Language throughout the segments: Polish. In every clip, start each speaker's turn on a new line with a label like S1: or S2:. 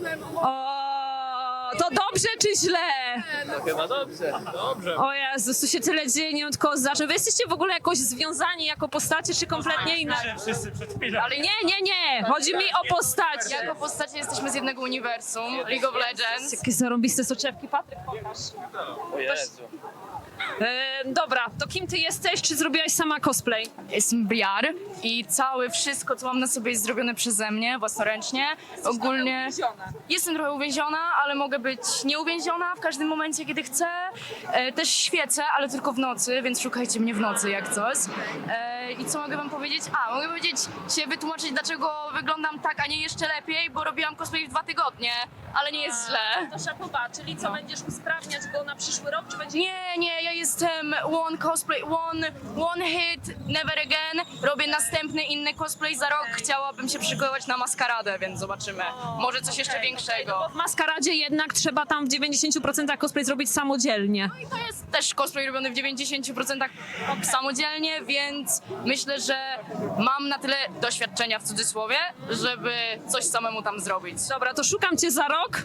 S1: O, to dobrze czy źle?
S2: No chyba dobrze. Dobrze.
S1: O Jezus, tu się tyle dzieje, nie wiem od kogo zacząć. Wy jesteście w ogóle jakoś związani jako postacie, czy kompletnie inaczej?
S3: Wszyscy przed chwilą.
S1: Ale nie, chodzi mi o postacie.
S4: Jako postacie jesteśmy z jednego uniwersum, League of Legends.
S1: Jakie zarąbiste soczewki, Patryk, pokaż.
S2: O Jezu.
S1: Dobra, to kim ty jesteś? Czy zrobiłaś sama cosplay?
S4: Jestem Briar i całe wszystko, co mam na sobie jest zrobione przeze mnie, własnoręcznie. Ogólnie jestem trochę uwięziona, ale mogę być nieuwięziona w każdym momencie, kiedy chcę. Też świecę, ale tylko w nocy, więc szukajcie mnie w nocy jak coś. I co mogę wam powiedzieć? Mogę wytłumaczyć, dlaczego wyglądam tak, a nie jeszcze lepiej, bo robiłam cosplay w 2 tygodnie, ale nie jest źle.
S1: To szapoba, czyli co, będziesz usprawniać go na przyszły rok, czy będzie...
S4: Nie, ja jestem one hit, never again. Robię następny inny cosplay za rok. Chciałabym się przygotować na maskaradę, więc zobaczymy. Może coś jeszcze większego.
S1: W maskaradzie jednak trzeba tam w 90% cosplay zrobić samodzielnie.
S4: I to jest też cosplay robiony w 90% samodzielnie, więc myślę, że mam na tyle doświadczenia w cudzysłowie, żeby coś samemu tam zrobić.
S1: Dobra, to szukam cię za rok.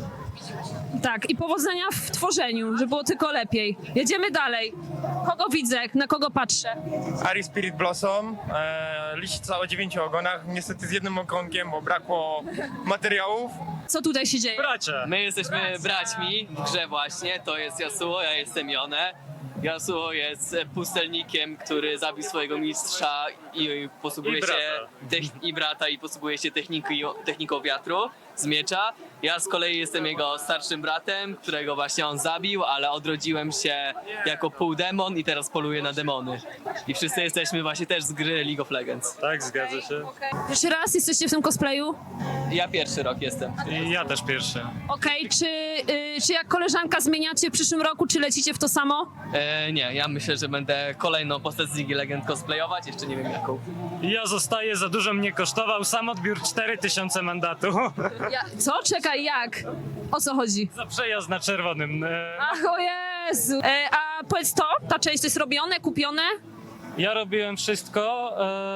S1: Tak, i powodzenia w tworzeniu, żeby było tylko lepiej. Jedziemy dalej. Kogo widzę? Na kogo patrzę?
S3: Ari Spirit Blossom, liścica o 9 ogonach, niestety z jednym ogonkiem, bo brakło materiałów.
S1: Co tutaj się dzieje?
S3: Bracia!
S2: My jesteśmy braćmi w grze właśnie. To jest Yasuo, ja jestem Yone. Yasuo jest pustelnikiem, który zabił swojego mistrza i posługuje
S3: I
S2: się
S3: brata.
S2: i brata i posługuje się techniką wiatru z miecza. Ja z kolei jestem jego starszym bratem, którego właśnie on zabił, ale odrodziłem się jako półdemon i teraz poluję na demony. I wszyscy jesteśmy właśnie też z gry League of Legends.
S3: Tak, zgadza się.
S1: Pierwszy raz jesteście w tym cosplayu?
S2: Ja pierwszy rok jestem.
S3: I ja też pierwszy.
S1: Okej, czy jak koleżanka zmieniacie w przyszłym roku, czy lecicie w to samo?
S2: Nie, ja myślę, że będę kolejną postać z League Legend cosplayować, jeszcze nie wiem jaką.
S3: Ja zostaję, za dużo mnie kosztował sam odbiór 4000 mandatu.
S1: Co? Czekaj, jak? O co chodzi?
S3: Za przejazd na czerwonym.
S1: Ach, o Jezu! A powiedz to, ta część to jest robione, kupione?
S3: Ja robiłem wszystko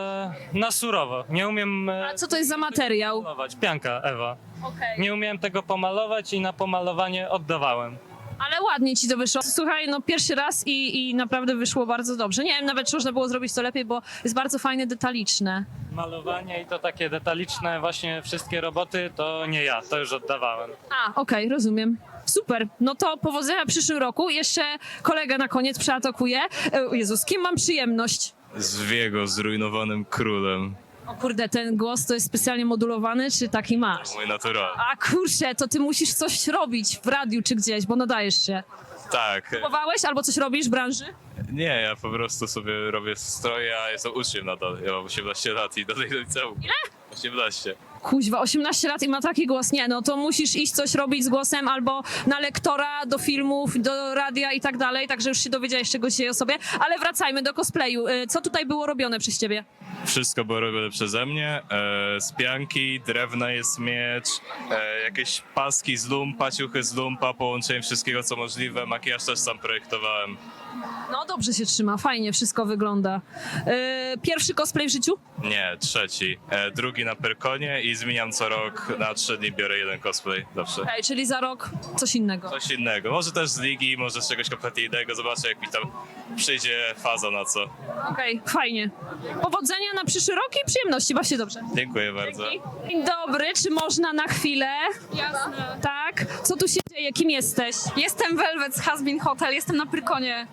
S3: na surowo. Nie umiem
S1: A co to jest za materiał?
S3: malować. Pianka, Ewa.
S1: Okej.
S3: Nie umiałem tego pomalować i na pomalowanie oddawałem.
S1: Ale ładnie ci to wyszło. Słuchaj, no pierwszy raz i naprawdę wyszło bardzo dobrze. Nie wiem nawet, czy można było zrobić to lepiej, bo jest bardzo fajne, detaliczne.
S3: Malowanie i to takie detaliczne właśnie wszystkie roboty to nie ja, to już oddawałem.
S1: Okej, rozumiem. Super. No to powodzenia w przyszłym roku. Jeszcze kolega na koniec przeatakuje. O Jezu, z kim mam przyjemność?
S5: Z Viego, zrujnowanym królem.
S1: O kurde, ten głos to jest specjalnie modulowany, czy taki masz?
S5: Mój natural.
S1: A kurczę, to ty musisz coś robić w radiu czy gdzieś, bo nadajesz się.
S5: Tak.
S1: Próbowałeś albo coś robisz w branży?
S5: Nie, ja po prostu sobie robię stroje, a jestem uczniem nadal. Ja mam 18 lat i do tej liceum. Ile? 18.
S1: Kuźwa, 18 lat i ma taki głos. Nie, no to musisz iść coś robić z głosem albo na lektora, do filmów, do radia i tak dalej, także już się dowiedziałeś czegoś dzisiaj o sobie. Ale wracajmy do cosplayu. Co tutaj było robione przez ciebie?
S5: Wszystko było robione przeze mnie. Z pianki, drewna jest miecz, jakieś paski z lumpa, ciuchy z lumpa, połączenie wszystkiego co możliwe. Makijaż też sam projektowałem.
S1: No dobrze się trzyma, fajnie wszystko wygląda. Pierwszy cosplay w życiu?
S5: Nie, trzeci. Drugi na Perkonie i zmieniam co rok. Na 3 dni biorę jeden cosplay zawsze.
S1: Okej, czyli za rok coś innego.
S5: Coś innego. Może też z ligi, może z czegoś kompletnie innego. Zobaczę, jak mi tam przyjdzie faza na co.
S1: Okej, fajnie. Powodzenia na przyszły rok i przyjemności, baw się dobrze.
S5: Dziękuję bardzo.
S1: Dzień dobry, czy można na chwilę?
S4: Jasne.
S1: Tak? Co tu się dzieje? Kim jesteś?
S4: Jestem Velvet z Hasbin Hotel, jestem na Prykonie.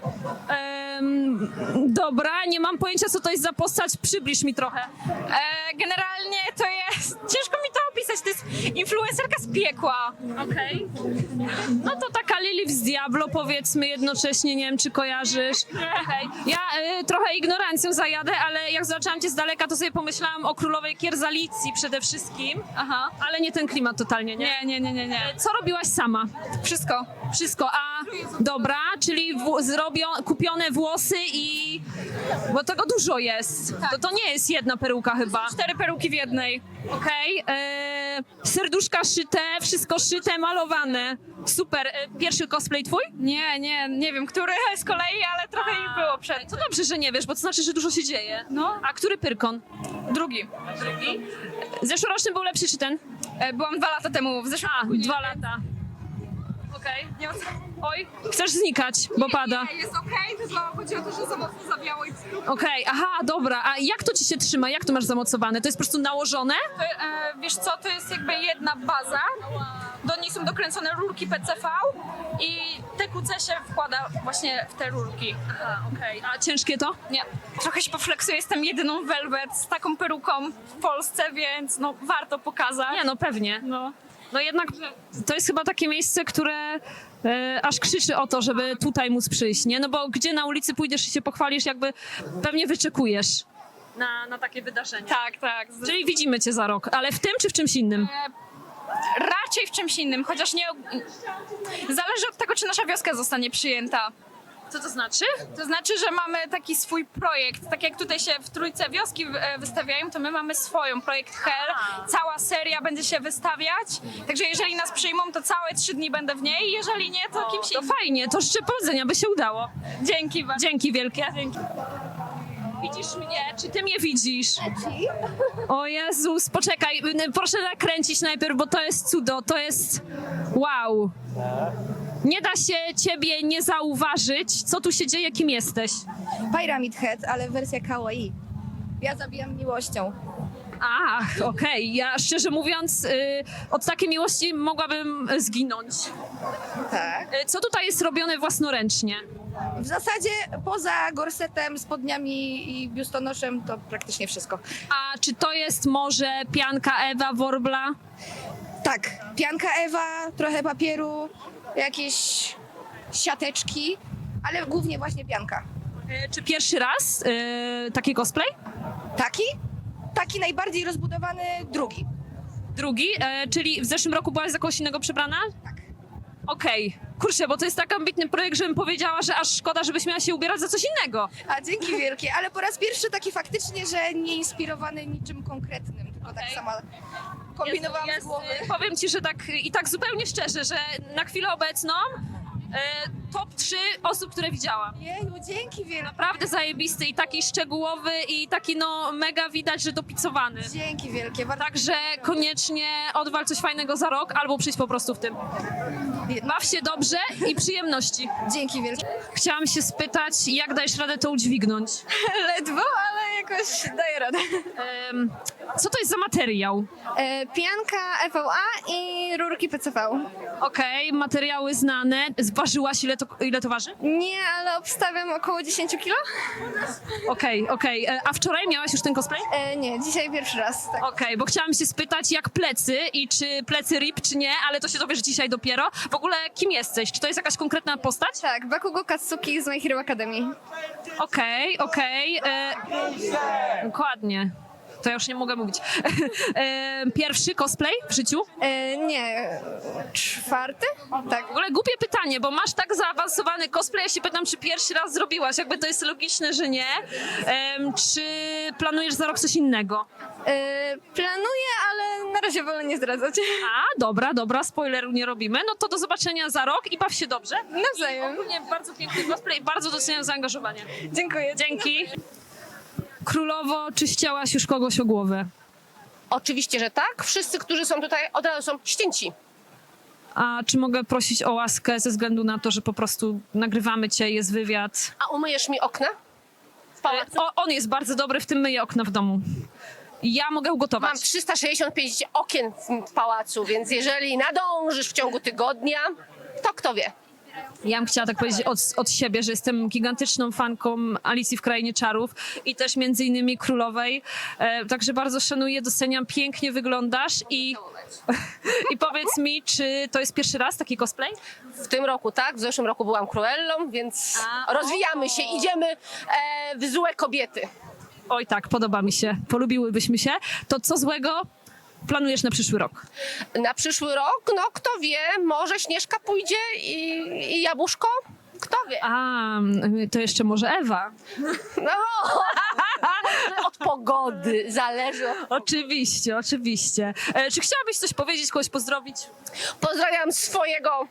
S1: Dobra, nie mam pojęcia, co to jest za postać. Przybliż mi trochę.
S4: Generalnie to jest, ciężko mi to opisać, to jest influencerka z piekła.
S1: Okej. No to taka Lilith z Diablo, powiedzmy jednocześnie, nie wiem, czy kojarzysz. Okej. Ja trochę ignorancją zajadę, ale jak zobaczyłam cię z daleka, to sobie pomyślałam o królowej Kierzalicji przede wszystkim.
S4: Aha.
S1: Ale nie ten klimat totalnie, nie?
S4: Nie.
S1: Co robiłaś sama?
S4: Wszystko.
S1: Wszystko, dobra, czyli kupione włosy i... Bo tego dużo jest. To nie jest jedna peruka chyba.
S4: 4 peruki w jednej.
S1: Okej, serduszka szyte, wszystko szyte, malowane. Super. Pierwszy cosplay twój?
S4: Nie wiem, który z kolei, ale trochę ich było przed.
S1: To dobrze, że nie wiesz, bo to znaczy, że dużo się dzieje.
S4: No.
S1: A który Pyrkon?
S4: Drugi.
S1: Zeszłoroczny był lepszy czy ten?
S4: Byłam 2 lata temu, w zeszłym roku.
S1: 2 lata. Okej. Oj, chcesz znikać, bo pada.
S6: Nie, jest okej, tylko chodzi o to, że za mocno zawiało i
S1: Okej, aha, dobra. A jak to ci się trzyma? Jak to masz zamocowane? To jest po prostu nałożone?
S6: wiesz co, to jest jakby jedna baza, do niej są dokręcone rurki PCV i te QC się wkłada właśnie w te rurki.
S1: Aha, okej. A ciężkie to?
S6: Nie, trochę się pofleksuję, jestem jedyną Velvet z taką peruką w Polsce, więc no warto pokazać.
S1: Nie, no pewnie. No jednak to jest chyba takie miejsce, które aż krzyczy o to, żeby tutaj móc przyjść, nie? No bo gdzie na ulicy pójdziesz i się pochwalisz, jakby pewnie wyczekujesz na takie wydarzenie.
S6: Tak, tak.
S1: Czyli widzimy cię za rok, ale w tym czy w czymś innym?
S6: Raczej w czymś innym, chociaż nie... Zależy od tego, czy nasza wioska zostanie przyjęta.
S1: Co to znaczy?
S6: To znaczy, że mamy taki swój projekt. Tak jak tutaj się w trójce wioski wystawiają, to my mamy swoją, projekt Hell. Cała seria będzie się wystawiać. Także jeżeli nas przyjmą, to całe 3 dni będę w niej. Jeżeli nie, to kimś
S1: To
S6: innym.
S1: fajnie, to życzę powodzenia, by się udało.
S6: Dzięki bardzo.
S1: Dzięki wielkie. Dzięki. Widzisz mnie? Czy ty mnie widzisz? O Jezus, poczekaj, proszę nakręcić najpierw, bo to jest cudo, to jest wow. Nie da się ciebie nie zauważyć, co tu się dzieje, kim jesteś.
S7: Pyramid Head, ale wersja kawaii. Ja zabijam miłością.
S1: Ach, okej, ja szczerze mówiąc od takiej miłości mogłabym zginąć.
S7: Tak.
S1: Co tutaj jest robione własnoręcznie?
S7: W zasadzie poza gorsetem, spodniami i biustonoszem to praktycznie wszystko.
S1: A czy to jest może pianka Ewa Worbla?
S7: Tak, pianka Ewa, trochę papieru, jakieś siateczki, ale głównie właśnie pianka.
S1: Czy pierwszy raz taki cosplay?
S7: Taki? Taki najbardziej rozbudowany drugi.
S1: Drugi, czyli w zeszłym roku byłaś za kogoś innego przebrana?
S7: Tak.
S1: Okej. Kurczę, bo to jest tak ambitny projekt, żebym powiedziała, że aż szkoda, żebyś miała się ubierać za coś innego.
S7: A dzięki wielkie, ale po raz pierwszy taki faktycznie, że nie inspirowany niczym konkretnym, tylko tak
S1: Okej.
S7: sama kombinowałam z głowy.
S1: Powiem ci, że tak zupełnie szczerze, że na chwilę obecną top 3 osób, które widziałam.
S7: Jeju, dzięki wielkie.
S1: Naprawdę zajebisty i taki szczegółowy i taki no mega widać, że dopicowany.
S7: Dzięki wielkie. Bardzo
S1: Także koniecznie odwal coś fajnego za rok albo przyjdź po prostu w tym. Baw się dobrze i przyjemności.
S7: dzięki wielkie.
S1: Chciałam się spytać, jak dajesz radę to udźwignąć?
S6: Ledwo, ale jakoś daję radę.
S1: Co to jest za materiał?
S8: Pianka EVA i rurki PCV.
S1: Okej, materiały znane. Zważyłaś, ile to waży?
S8: Nie, ale obstawiam około 10 kilo?
S1: Okej. A wczoraj miałaś już ten cosplay?
S8: Nie, dzisiaj pierwszy raz. Tak.
S1: Okej, bo chciałam się spytać, jak plecy i czy plecy RIP, czy nie, ale to się dowiesz dzisiaj dopiero. W ogóle kim jesteś? Czy to jest jakaś konkretna postać?
S8: Tak, Bakugo Katsuki z My Hero Academy.
S1: Okej. Dokładnie. To ja już nie mogę mówić. Pierwszy cosplay w życiu?
S8: Nie, 4? Tak.
S1: W ogóle głupie pytanie, bo masz tak zaawansowany cosplay, ja się pytam, czy pierwszy raz zrobiłaś. Jakby to jest logiczne, że nie. Czy planujesz za rok coś innego?
S8: Planuję, ale na razie wolę nie zdradzać.
S1: A, dobra, spoileru nie robimy. No to do zobaczenia za rok i baw się dobrze.
S8: Nawzajem.
S1: Ogólnie bardzo piękny cosplay, bardzo doceniam zaangażowanie.
S8: Dziękuję.
S1: Dzięki. Królowo, czy ścięłaś już kogoś o głowę?
S9: Oczywiście, że tak. Wszyscy, którzy są tutaj, od razu są ścięci.
S1: A czy mogę prosić o łaskę ze względu na to, że po prostu nagrywamy cię, jest wywiad?
S9: A umyjesz mi okna? W pałacu?
S1: On jest bardzo dobry, w tym myje okna w domu. Ja mogę ugotować.
S9: Mam 365 okien w pałacu, więc jeżeli nadążysz w ciągu tygodnia, to kto wie.
S1: Ja bym chciała tak powiedzieć od siebie, że jestem gigantyczną fanką Alicji w Krainie Czarów i też między innymi Królowej. Także bardzo szanuję, doceniam, pięknie wyglądasz i powiedz mi, czy to jest pierwszy raz taki cosplay?
S9: W tym roku tak, w zeszłym roku byłam Cruellą, więc rozwijamy się, idziemy w złe kobiety.
S1: Oj tak, podoba mi się, polubiłybyśmy się. To co złego planujesz na przyszły rok?
S9: Na przyszły rok, no kto wie, może Śnieżka pójdzie i Jabłuszko? Kto wie?
S1: A, to jeszcze może Ewa.
S9: No, od pogody zależy.
S1: Oczywiście. Czy chciałabyś coś powiedzieć, kogoś pozdrowić?
S9: Pozdrawiam swojego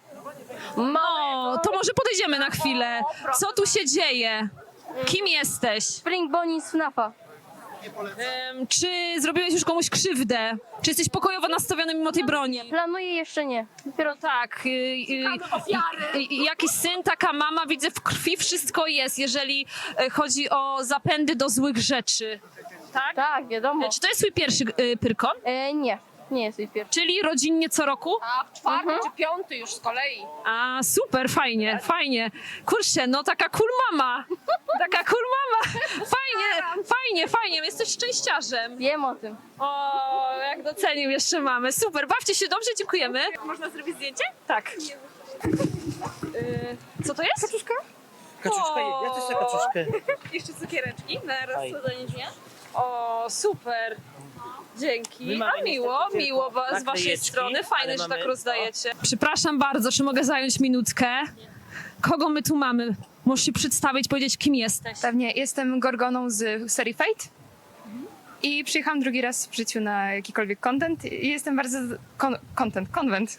S1: No, to może podejdziemy na chwilę. Co tu się dzieje? Kim jesteś?
S8: Spring Bonnie z FNAF-a.
S1: Czy zrobiłeś już komuś krzywdę? Czy jesteś pokojowo nastawiony mimo tej broni?
S8: Planuję jeszcze nie.
S1: Dopiero tak. Jakiś syn, taka mama, widzę w krwi wszystko jest, jeżeli chodzi o zapędy do złych rzeczy. Tak?
S8: Tak, wiadomo.
S1: Czy to jest twój pierwszy pyrkon?
S8: Nie, nie jest jej pierwszy.
S1: Czyli rodzinnie co roku?
S9: A w czwarty czy piąty już z kolei.
S1: A super, fajnie, fajnie. Kurczę, no taka cool mama. Taka cool mama. Fajnie, jesteś szczęściarzem.
S8: Wiem o tym.
S1: O, jak docenił jeszcze mamy. Super, bawcie się dobrze, dziękujemy. Można zrobić zdjęcie? Tak. Co to jest? Kaczuszka?
S10: Kaczuszka, ja też chcę kaczuszkę.
S1: Jeszcze cukiereczki na rozsadzenie dnia. O, super. Dzięki. A miło z waszej
S10: naklejeczki,
S1: strony. Fajne,
S10: ale
S1: że
S10: mamy-
S1: tak rozdajecie. Przepraszam bardzo, czy mogę zająć minutkę? Kogo my tu mamy? Możesz się przedstawić, powiedzieć, kim jesteś.
S11: Pewnie jestem Gorgoną z serii Fate i przyjechałam drugi raz w życiu na jakikolwiek content i jestem bardzo... Konwent.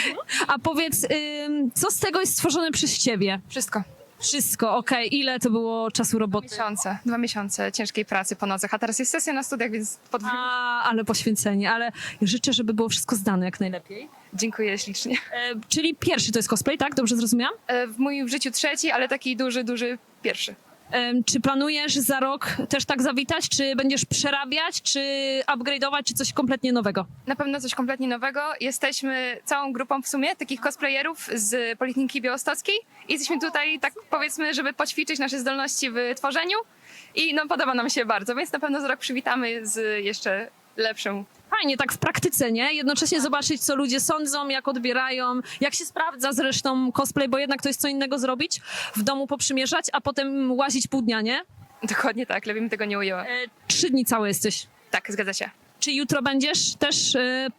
S1: A powiedz, co z tego jest stworzone przez ciebie?
S11: Wszystko.
S1: Wszystko, okej. Ile to było czasu roboty?
S11: 2 miesiące ciężkiej pracy po nocach, a teraz jest sesja na studiach, więc
S1: Ale poświęcenie, ale życzę, żeby było wszystko zdane jak najlepiej.
S11: dziękuję ślicznie.
S1: Czyli pierwszy to jest cosplay, tak? Dobrze zrozumiałam?
S11: W moim życiu trzeci, ale taki duży pierwszy.
S1: Czy planujesz za rok też tak zawitać? Czy będziesz przerabiać, czy upgrade'ować, czy coś kompletnie nowego?
S11: Na pewno coś kompletnie nowego. Jesteśmy całą grupą w sumie takich cosplayerów z Politechniki Białostockiej i jesteśmy tutaj, tak powiedzmy, żeby poćwiczyć nasze zdolności w tworzeniu i no podoba nam się bardzo, więc na pewno za rok przywitamy z jeszcze lepszą.
S1: Fajnie, tak w praktyce, nie? Jednocześnie zobaczyć, co ludzie sądzą, jak odbierają, jak się sprawdza zresztą cosplay, bo jednak to jest co innego zrobić, w domu poprzymierzać, a potem łazić pół dnia, nie?
S11: Dokładnie tak, lepiej bym tego nie ujęła.
S1: 3 dni całe jesteś.
S11: Tak, zgadza się.
S1: Czy jutro będziesz też,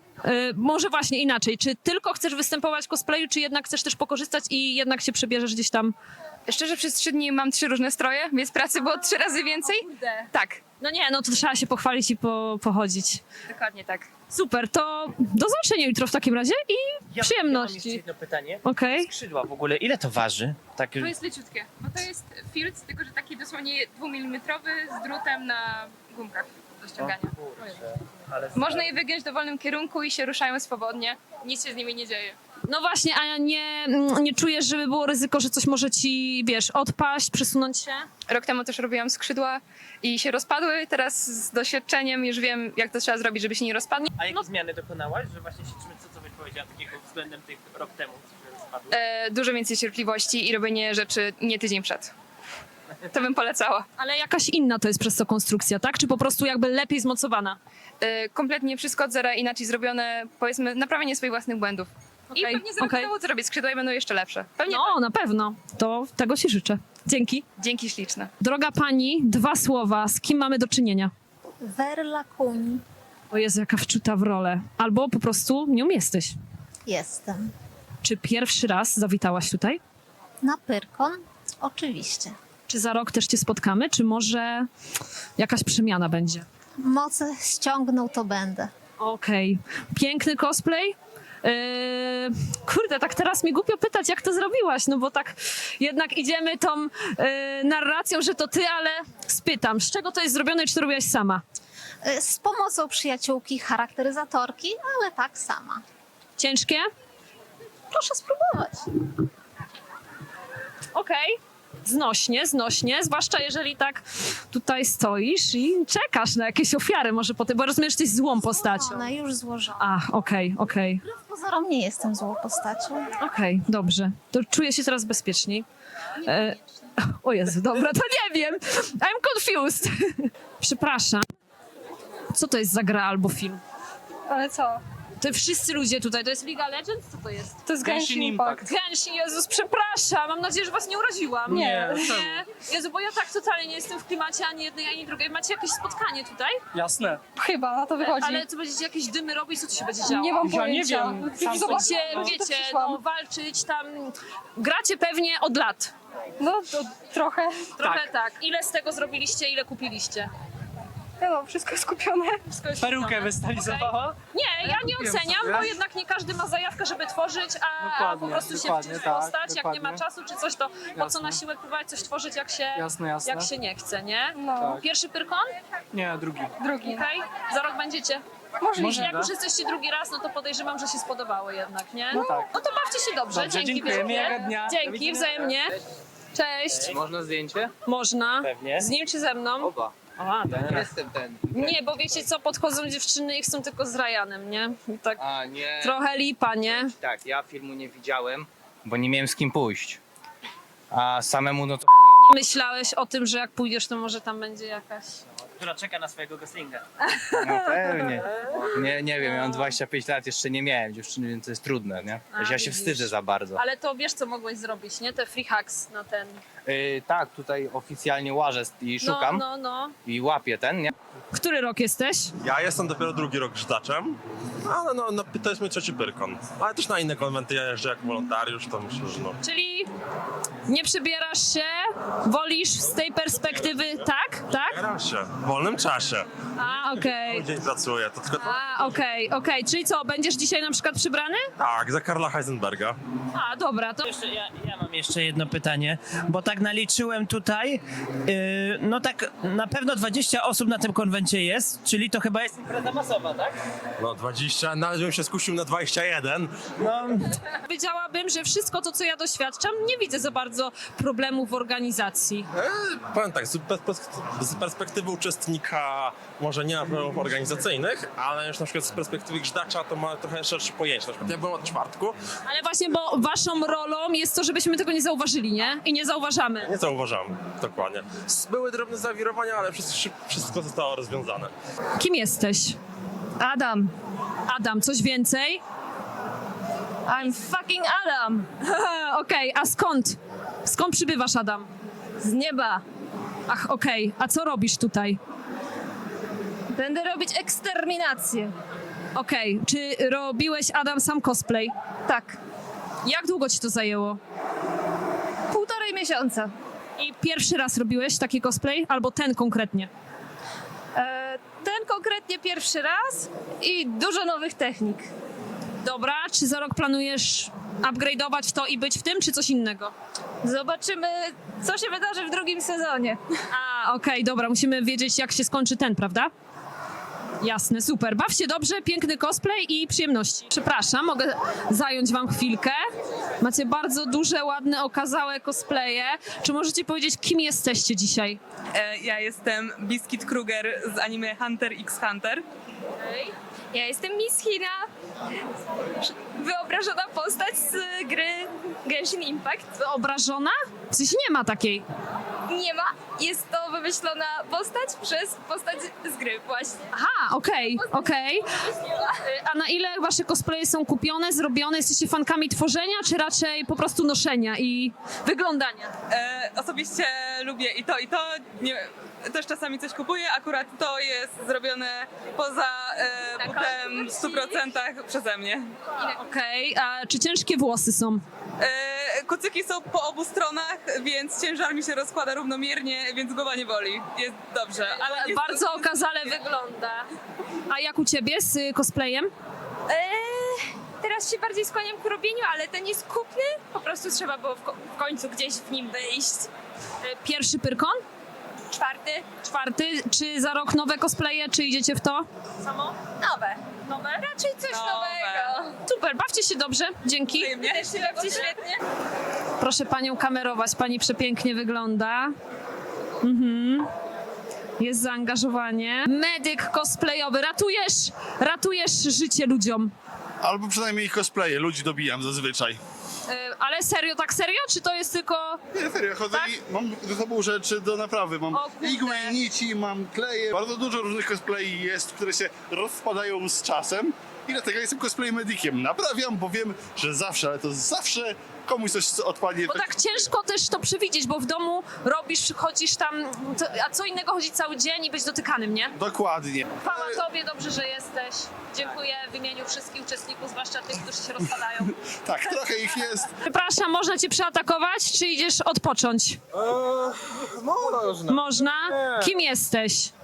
S1: może właśnie inaczej, czy tylko chcesz występować w cosplayu, czy jednak chcesz też pokorzystać i jednak się przebierzesz gdzieś tam?
S11: Szczerze, przez 3 dni mam 3 różne stroje, więc pracy było 3 razy więcej. Tak,
S1: No nie, no to trzeba się pochwalić i pochodzić.
S11: dokładnie tak.
S1: Super, to do zobaczenia jutro w takim razie i
S10: Ja mam jeszcze
S1: przyjemności.
S10: jedno pytanie.
S1: Okej.
S10: Skrzydła w ogóle, ile to waży? Tak,
S11: To jest leciutkie, bo to jest field, tylko że taki dosłownie 2 mm z drutem na gumkach do ściągania.
S10: ale
S11: Można je wygiąć w dowolnym kierunku i się ruszają swobodnie. Nic się z nimi nie dzieje.
S1: No właśnie, a nie czujesz, żeby było ryzyko, że coś może ci, wiesz, odpaść, przesunąć się?
S11: Rok temu też robiłam skrzydła i się rozpadły. Teraz z doświadczeniem już wiem, jak to trzeba zrobić, żeby się nie rozpadły.
S10: A jakie zmiany dokonałaś, że właśnie się czymś, co byś powiedziała takiego względem tych rok temu, że spadły?
S11: Dużo więcej cierpliwości i robienie rzeczy nie tydzień przed. To bym polecała.
S1: Ale jakaś inna to jest przez to konstrukcja, tak? Czy po prostu jakby lepiej zmocowana?
S11: Kompletnie wszystko od zera inaczej zrobione, powiedzmy, naprawienie swoich własnych błędów. I
S1: Okej,
S11: pewnie za rok
S1: okej.
S11: znowu zrobię skrzydła i będą jeszcze lepsze. Pewnie
S1: No, na pewno. To tego ci życzę. Dzięki.
S11: Dzięki śliczne.
S1: Droga pani, 2 słowa. Z kim mamy do czynienia?
S12: Werla Kuni.
S1: O Jezu, jaka wczuta w rolę. Albo po prostu nią jesteś.
S12: Jestem.
S1: Czy pierwszy raz zawitałaś tutaj?
S12: Na Pyrkon? Oczywiście.
S1: Czy za rok też cię spotkamy? Czy może jakaś przemiana będzie?
S12: Moce ściągnął, to będę.
S1: Okej. Piękny cosplay. Kurde, tak teraz mi głupio pytać, jak to zrobiłaś, no bo tak jednak idziemy tą narracją, że to ty, ale spytam, z czego to jest zrobione i czy to robiłaś sama?
S12: Z pomocą przyjaciółki, charakteryzatorki, ale tak sama.
S1: Ciężkie?
S12: Proszę spróbować.
S1: Okej. Znośnie, zwłaszcza jeżeli tak tutaj stoisz i czekasz na jakieś ofiary może potem, bo rozumiesz, że jesteś złą postacią.
S12: Ona już złożona.
S1: Ach, okej.
S12: Wbrew pozorom nie jestem złą postacią.
S1: Okej, dobrze. To czuję się teraz bezpieczniej. O Jezu, dobra, to nie wiem. I'm confused. Przepraszam. Co to jest za gra albo film?
S11: Ale co?
S1: To wszyscy ludzie tutaj, to jest League of Legends? Co to jest?
S11: To jest Genshin Impact.
S1: Genshin, Jezus, przepraszam. Mam nadzieję, że was nie uraziłam.
S11: Nie.
S1: Jezu, bo ja tak totalnie nie jestem w klimacie ani jednej, ani drugiej. Macie jakieś spotkanie tutaj?
S10: Jasne.
S11: Chyba, na to wychodzi.
S1: Ale co będziecie jakieś dymy robić? Co tu się będzie działo?
S11: Nie mam
S10: Ja nie
S11: pojęcia.
S10: wiem.
S1: Będziecie, wiecie, no, walczyć tam. Gracie pewnie od lat.
S11: No, to trochę.
S1: Trochę tak. Ile z tego zrobiliście, ile kupiliście?
S8: No, wszystko skupione.
S10: Perukę wystylizowała?
S1: Nie, ja nie oceniam, bo jednak nie każdy ma zajawkę, żeby tworzyć, a po prostu się wciąć w postać. Jak nie ma czasu czy coś, to po co na siłę próbować coś tworzyć, jak się nie chce, nie?
S8: No.
S1: Pierwszy Pyrkon?
S10: Nie, drugi.
S8: Drugi.
S1: Okej. Za rok będziecie?
S8: Możliwe.
S1: Jak już jesteście drugi raz, no to podejrzewam, że się spodobało jednak, nie?
S10: No tak.
S1: No to bawcie się dobrze. Dzięki
S10: dziękuję,
S1: wielkie.
S10: miłego dnia. Do
S1: Dzięki,
S10: widzenia.
S1: wzajemnie. Cześć.
S2: Można zdjęcie?
S1: Można.
S10: Pewnie.
S1: Z nim czy ze mną?
S2: Oba.
S1: Aha, dobra.
S2: Jestem ten.
S1: Nie, bo wiecie co, podchodzą dziewczyny i chcą tylko z Ryanem, nie? I tak
S13: A nie.
S1: trochę lipa, nie?
S13: Tak, ja filmu nie widziałem, bo nie miałem z kim pójść. A samemu no to
S1: Nie myślałeś o tym, że jak pójdziesz, to może tam będzie jakaś...
S10: Która czeka na swojego goslinga.
S13: no pewnie. Nie wiem, ja mam 25 lat, jeszcze nie miałem dziewczyny, więc to jest trudne, nie? Ja się
S1: widzisz.
S13: wstydzę za bardzo.
S1: Ale to wiesz, co mogłeś zrobić, nie? Te free hacks na ten...
S13: Tak, tutaj oficjalnie łażę i szukam
S1: No.
S13: i łapię ten, nie?
S1: Który rok jesteś?
S14: Ja jestem dopiero drugi rok grzydaczem, ale no, to jest mój trzeci Pyrkon. Ale też na inne konwenty ja jeżdżę jako wolontariusz, to myślę, że no.
S1: Czyli nie przybierasz się, wolisz z tej perspektywy, tak? Tak?
S14: Staram się, w wolnym czasie.
S1: A, okej.
S14: Dzień pracuję, to tylko
S1: A, okej. Czyli co, będziesz dzisiaj na przykład przybrany?
S14: tak, za Karla Heisenberga.
S1: A, dobra, to...
S10: Ja mam jeszcze jedno pytanie, bo tak naliczyłem tutaj, no tak na pewno 20 osób na tym konwencie jest, czyli to chyba jest impreza masowa, tak?
S14: No 20, nawet bym się skusił na 21.
S10: No,
S1: Powiedziałabym, że wszystko to, co ja doświadczam, nie widzę za bardzo problemów w organizacji.
S14: Powiem tak, z perspektywy uczestnika może nie ma problemów organizacyjnych, ale już na przykład z perspektywy grzdacza to ma trochę szersze pojęcie. Na przykład ja byłem od czwartku.
S1: Ale właśnie, bo waszą rolą jest to, żebyśmy tego nie zauważyli, nie? I nie zauważamy.
S14: Nie zauważamy, dokładnie. Były drobne zawirowania, ale wszystko zostało rozwiązane.
S1: Kim jesteś?
S8: Adam.
S1: Adam, coś więcej?
S8: I'm fucking Adam.
S1: Okej, a skąd? Skąd przybywasz, Adam?
S8: Z nieba.
S1: Ach, okej. A co robisz tutaj?
S8: Będę robić eksterminację.
S1: Okej, czy robiłeś, Adam, sam cosplay?
S8: Tak.
S1: Jak długo ci to zajęło?
S8: 1,5 miesiąca.
S1: I pierwszy raz robiłeś taki cosplay? Albo ten konkretnie?
S8: Ten konkretnie pierwszy raz i dużo nowych technik.
S1: Dobra, czy za rok planujesz upgrade'ować to i być w tym, czy coś innego?
S8: Zobaczymy, co się wydarzy w drugim sezonie.
S1: A, okej, dobra, musimy wiedzieć, jak się skończy ten, prawda? Jasne, super. Baw się dobrze, piękny cosplay i przyjemności. Przepraszam, mogę zająć wam chwilkę. Macie bardzo duże, ładne, okazałe cosplaye. Czy możecie powiedzieć, kim jesteście dzisiaj?
S11: Ja jestem Biscuit Kruger z anime Hunter x Hunter.
S8: Ja jestem Miss Hina. Wyobrażona postać z gry Genshin Impact.
S1: Wyobrażona? W sensie nie ma takiej.
S8: Nie ma. Jest to wymyślona postać przez postać z gry właśnie.
S1: Aha, okej. A na ile wasze cosplaye są kupione, zrobione? Jesteście fankami tworzenia, czy raczej po prostu noszenia i wyglądania?
S11: Osobiście lubię i to. Nie, też czasami coś kupuję, akurat to jest zrobione poza butem w 100% przeze mnie.
S1: Okej, a czy ciężkie włosy są?
S11: Kucyki są po obu stronach, więc ciężar mi się rozkłada równomiernie, więc głowa nie boli. Jest dobrze, ale
S1: Bardzo okazale wygląda. A jak u ciebie z cosplayem?
S8: Teraz się bardziej skłaniam ku robieniu, ale ten jest kupny. Po prostu trzeba było w końcu gdzieś w nim wyjść.
S1: Pierwszy Pyrkon? Czwarty. Czy za rok nowe cosplaye, czy idziecie w to? Samo?
S8: Nowe. Raczej coś nowego.
S1: Super, bawcie się dobrze. Dzięki.
S8: Też się bawcie świetnie.
S1: Proszę panią kamerować, pani przepięknie wygląda. Jest zaangażowanie. Medyk cosplayowy. Ratujesz życie ludziom.
S15: Albo przynajmniej ich cosplaye, ludzi dobijam zazwyczaj.
S1: Ale serio, tak serio? Czy to jest tylko...
S15: Nie, serio, chodzę i mam ze sobą rzeczy do naprawy. Mam igły, nici, mam kleje. Bardzo dużo różnych cosplay jest, które się rozpadają z czasem. I dlatego jestem cosplay medykiem. Naprawiam, bo wiem, że zawsze, ale to zawsze komuś coś odpadnie.
S1: Bo tak ciężko też to przewidzieć, bo w domu robisz, chodzisz tam, a co innego chodzić cały dzień i być dotykanym, nie?
S15: Dokładnie.
S1: Chwała tobie, dobrze, że jesteś. Dziękuję w imieniu wszystkich uczestników, zwłaszcza tych, którzy się rozpadają.
S15: Tak, trochę ich jest.
S1: Przepraszam, można cię przeatakować, czy idziesz odpocząć?
S3: Można.
S1: Można? Kim jesteś?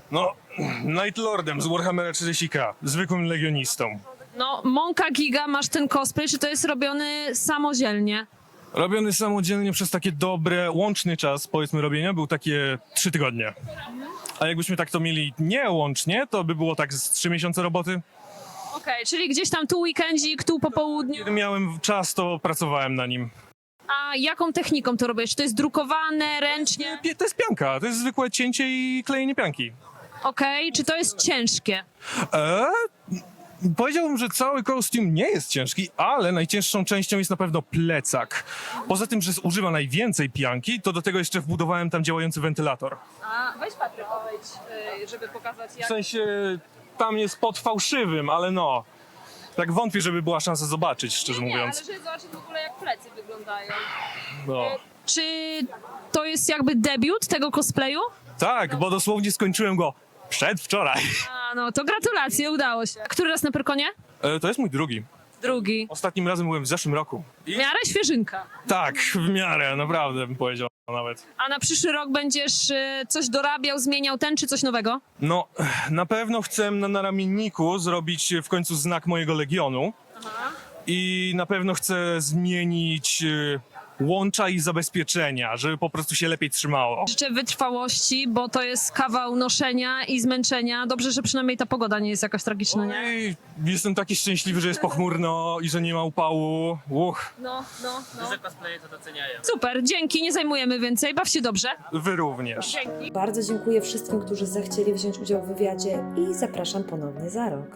S16: No, Night Lordem z Warhammera 40k, zwykłym legionistą.
S1: No, Monka Giga, masz ten cosplay, czy to jest robiony samodzielnie?
S16: Robiony samodzielnie przez takie dobre, łączny czas, powiedzmy, robienia był takie 3 tygodnie. A jakbyśmy tak to mieli nie łącznie, to by było tak z 3 miesiące roboty.
S1: Okej, czyli gdzieś tam tu weekendzik, tu po południu.
S16: Kiedy miałem czas, to pracowałem na nim.
S1: A jaką techniką to robisz? Czy to jest drukowane, ręcznie?
S16: To jest pianka, to jest zwykłe cięcie i klejenie pianki.
S1: Okej, czy to jest ciężkie?
S16: Powiedziałbym, że cały kostium nie jest ciężki, ale najcięższą częścią jest na pewno plecak. Poza tym, że używa najwięcej pianki, to do tego jeszcze wbudowałem tam działający wentylator.
S1: A, weź Patryk, żeby pokazać
S16: W sensie tam jest pod fałszywym, ale no, tak wątpię, żeby była szansa zobaczyć, szczerze mówiąc.
S1: ale żeby zobaczyć w ogóle jak plecy wyglądają.
S16: No.
S1: Czy to jest jakby debiut tego cosplayu?
S16: Tak, bo dosłownie skończyłem go przedwczoraj.
S1: A, no to gratulacje, udało się. Który raz na Pyrkonie?
S16: To jest mój drugi.
S1: Drugi.
S16: Ostatnim razem byłem w zeszłym roku.
S1: W miarę świeżynka.
S16: Tak, w miarę, naprawdę bym powiedział nawet.
S1: A na przyszły rok będziesz coś dorabiał, zmieniał czy coś nowego?
S16: No, na pewno chcę na naramienniku zrobić w końcu znak mojego legionu. I na pewno chcę zmienić łącza i zabezpieczenia, żeby po prostu się lepiej trzymało.
S1: Życzę wytrwałości, bo to jest kawał noszenia i zmęczenia. Dobrze, że przynajmniej ta pogoda nie jest jakaś tragiczna, nie?
S16: I jestem taki szczęśliwy, że jest pochmurno i że nie ma upału.
S1: No.
S2: Duże cosplaye to doceniają.
S1: Super, dzięki, nie zajmujemy więcej, baw się dobrze.
S16: Wy również.
S1: Dzięki.
S17: Bardzo dziękuję wszystkim, którzy zechcieli wziąć udział w wywiadzie i zapraszam ponownie za rok.